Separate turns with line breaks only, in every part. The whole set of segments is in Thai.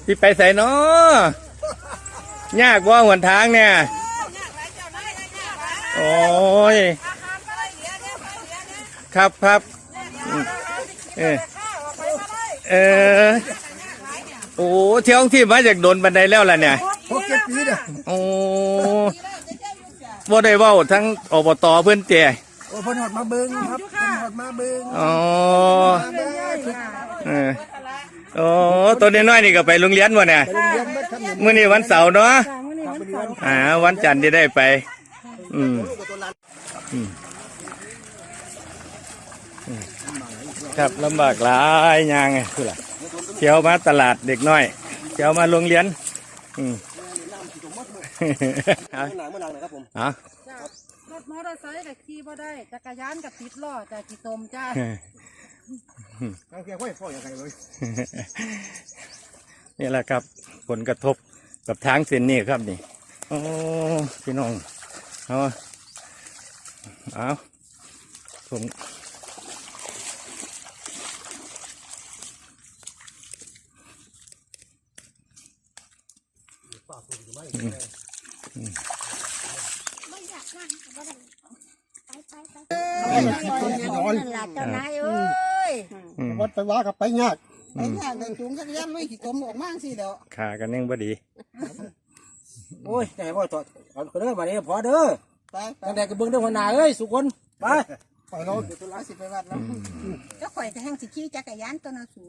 ที่ไปใส่เนาะยากว่าหนทางเนี่ยโอ้ยครับครับโอ้เที่ยวที่มาจากโดนบันไดแล้วล่ะเนี่ย
6-7 ปีเนี่ย
โอ้บ่ได้เว้าทั้งอบตเพิ่นเจ้
โอ้เพิ่นหอดมาเบิ่งครับเพิ่นหอดมาเบิ่ง
อ๋อโอ้ตัวน้อยๆนี่ก็ไปโรงเรียนวะเนี่ยมื้อนี้วันเสาร์เนาะวันจันทร์จะได้ไปครับลำบากหลายอย่างไงคือล่ะเที่ยวมาตลาดเด็กน้อยเที่ยวมาโรงเรียน
เมื่อไหร่นะครับผม
รถมอเตอร์ไซค์กับขี่บ่ได้จักรยานกับติดล้อแต่ขี่ตมจ้า
นี่แหละครับผลกระทบกับทางเส้นนี้ครับนี่โอ้พี่น้องเอาผม
วัดไปว่ากับไปยาก
ไปยากเลยจุงจักรยานลุยขี่ตมออกมาสิเดี๋ยว
ขากันยังบ่ดี
โอ้ยแต่ว่าเอาเด้อมาเนี่ยพอเด้อไปตั้งแต่กระเบื้องเด้อหัวหน้าเอ้ยสุคนไป
เรา
ตัวละสิไปวัดแล้วก็ข่อยจะแห้งสิขี่จักรยานตัวน่ะสู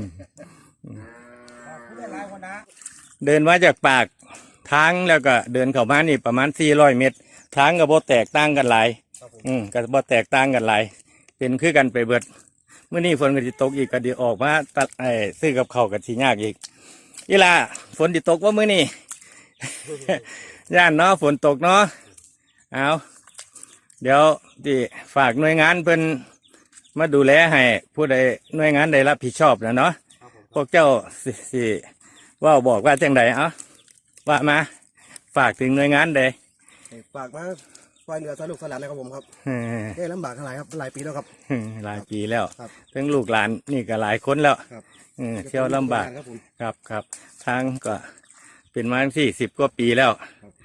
เดินมาจากปากทางแล้วก็เดินเข้ามานี่ประมาณ400 เมตรทางก็บ่แตกต่างกันหลายก็บ่แตกต่างกันหลายเป็นคือกันไปเบิดเมื่อนี้ฝนก็สิตกอีกก็ดีออกมาตัดซื้อกับข้าวก็สิยากอีกอีล่ะฝนสิตกว่ามื้อนี้ ย่านเนาะฝนตกเนาะเอาเดี๋ยวที่ฝากหน่วยงานเพิ่นมาดูแลให้ผู้ใดหน่วยงานใดรับผิดชอบนะเนาะพวกเจ้าสิว่าบอกว่าจังใดว่ามาฝากถึงหน่วยงานใด
ฝากมาช่วยเหลือช่วยลูกหลานนะครับผมครับได้ลำบากหลายครับหลายปีแล้วครับ
หลายปีแล้วทั้งลูกหลานนี่ก็หลายคนแล้วเที่ยวลำบากครับทางก็เป็นมา40 กว่าปีแล้ว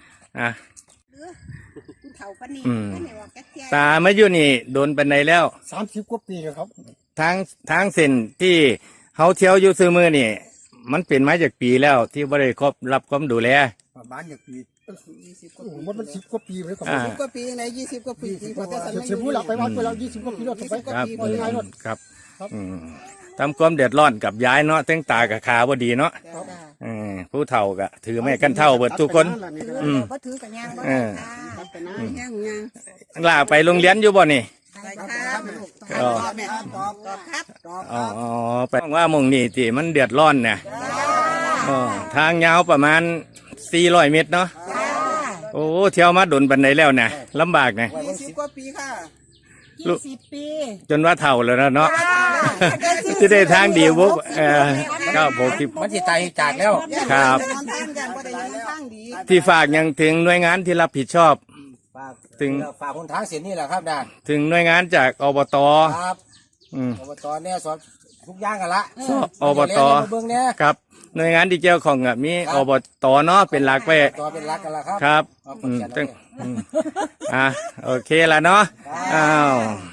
ตาไม่อยู่นี่โดนปันใดแล้ว
30 กว่าปีครับ
ทางเส้นที่เขาเที่ยวอยู่ซื้อมือนี่มันเป็นมาจากปีแล้วที่บริครบรับความดูแล
บ้านจากปีมัน10 กว่าปีเลยครับ
10 กว่าปีใน20 กว่าปี
เสียผู้หลับไปวัดไปแล้ว20 กว่าปีแล้วไป
ครับทำความเดือดร้อนกับย้ายเนาะตั้งตากับขาพอดีเนาะผู้เฒ่าก็ถือไม่กันเท่าเบิดทุกคน
ก็ถือกับยาง
ลาไปโรงเรียนอยู่บ่นี่ไปว่ามึงนี่ที่มันเดือดร้อนเนี่ยทางยาวประมาณ400 เมตรเนาะโอ้เที่ยวมาโดนบันไดแล้วเนี่ยลำบากเนี่ย
20 กว่าปีค่ะ20 ปี
จนว่าเฒ่าแล้วเนาะที่ได้ทางดีวุบก็60
มันจิตใจจากแล้ว
ครับที่ฝากยังถึงหน่วยงานที่รับผิดชอบ
ถึงฝากคนทางเสียนี่แหละครับนะ
ถึงหน่วยงานจากอบต
ครับอบตเนี่ยสอนทุกอย่างกันละ
อบตครับหน่วยงานที่เกี่ยวข้องมีอบตเนาะเป็นหลักไป
เป็นหลักกันละ
ครับโอเคละเนาะอ้าว